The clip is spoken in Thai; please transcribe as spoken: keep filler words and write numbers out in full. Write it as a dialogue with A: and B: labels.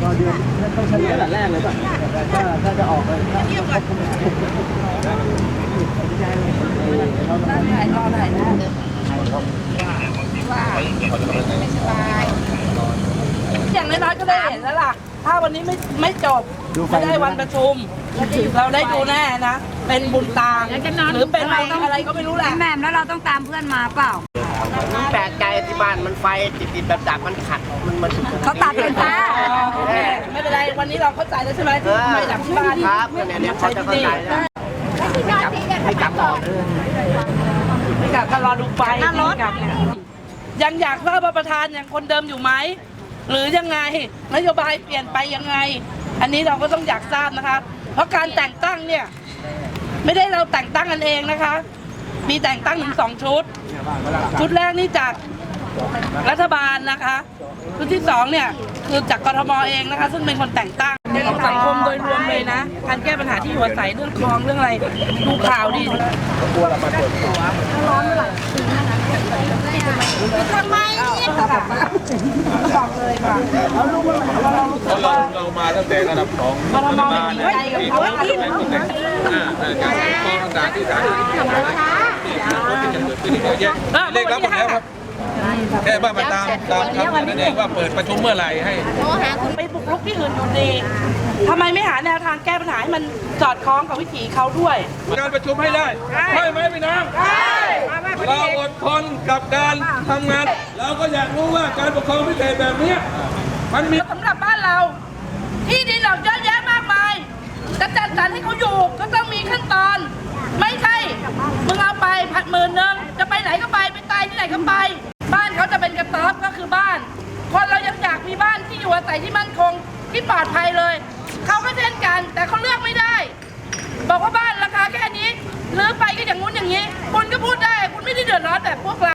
A: อเดือนต้องเฉลี่ยตั้งแต่แรกเลยป่ะถ้าถ้าจะออกเลยถ้า
B: ถ่ายรอถ่ายนะว่าไม่สบายอย่างน้อยๆก็ได้เห็นแล้วล่ะถ้าวันนี้ไม่ไม่จบไม่ได้วันประชุมเราได้ดูแน่นะเป็นบุญตาหรือเป็นอะไรก็ไม่รู้แหละ
C: แม่แล้วเราต้องตามเพื่อนมาเปล่า
D: แปลกใจที่บ้านมันไฟติดติดแบบดับมันขัดมันมัน
C: เขาตัดเป็นฟ้า
B: ไม่เป็นไรวันนี้เราเข้าใจแล้วใช่ไหมที่ไม่ดับที่บ้าน
D: ครับเนี่ยเนี่ยเขาจะเข้าใจแล้วไม่กลับออก
B: ไม่กลับก็รอดูไฟยังอยากทราบว่าประธานยังคนเดิมอยู่ไหมหรือยังไงนโยบายเปลี่ยนไปยังไงอันนี้เราก็ต้องอยากทราบนะคะเพราะการแต่งตั้งเนี่ยไม่ได้เราแต่งตั้งกันเองนะคะมีแต่งตั้งถึงสองชุดชุดแรกนี่จากรัฐบาลนะคะชุดที่สองเนี่ยคือจากกทมเองนะคะซึ่งเป็นคนแต่งตั้งของสังคมโดยรวมเลยนะการแก้ปัญหาที่อยู่อาศัยเรื่องคลองเรื่องอะไรดูข่าวดิทำไมเนี่ยค่ะบอกเลยค่ะเรารู้ว่า
E: เราเรามาตั้งแต่ระดับสอง
B: กทมมีใจกับเขาที่
E: การปกครองต่างๆที่สาธารณสุขคนที่จะเกิดขึ้นเยอะแยะเลขรับหมดแล้วครับแค่ว่ามาตามตามคำนั่นเองว่าเปิดประชุมเมื่อไหร่ให้
B: ไปบุกรุกที่อื่นอยู่ดีทำไมไม่หาแนวทางแก้ปัญหาให้มันสอดคล้องกับวิถีเขาด้วย
E: การประชุมให้ได้ใช่ไหมพี่น้องเราอดทนกับการทำงานเราก็อยากรู้ว่าการปกครองพิเศษแบบนี้มันมี
B: สำหรับบ้านเราที่ดินเราเยอะแยะมากมายจะจัดสรรให้เขาอยู่ก็ต้องมีขั้นตอนไม่ใช่มึงเอาไปผัดหมื่นนึงจะไปไหนก็ไปไปตายที่ไหนก็ไปบ้านเขาจะเป็นกระต๊อบก็คือบ้านคนเรายังอยากมีบ้านที่อยู่อาศัยที่มั่นคงที่ปลอดภัยเลยเขาก็เช่นกันแต่เขาเลือกไม่ได้บอกว่าบ้านราคาแค่นี้หรือไปก็อย่างงู้นอย่างนี้คุณก็พูดได้คุณไม่ได้เดือดร้อนแบบพวกเรา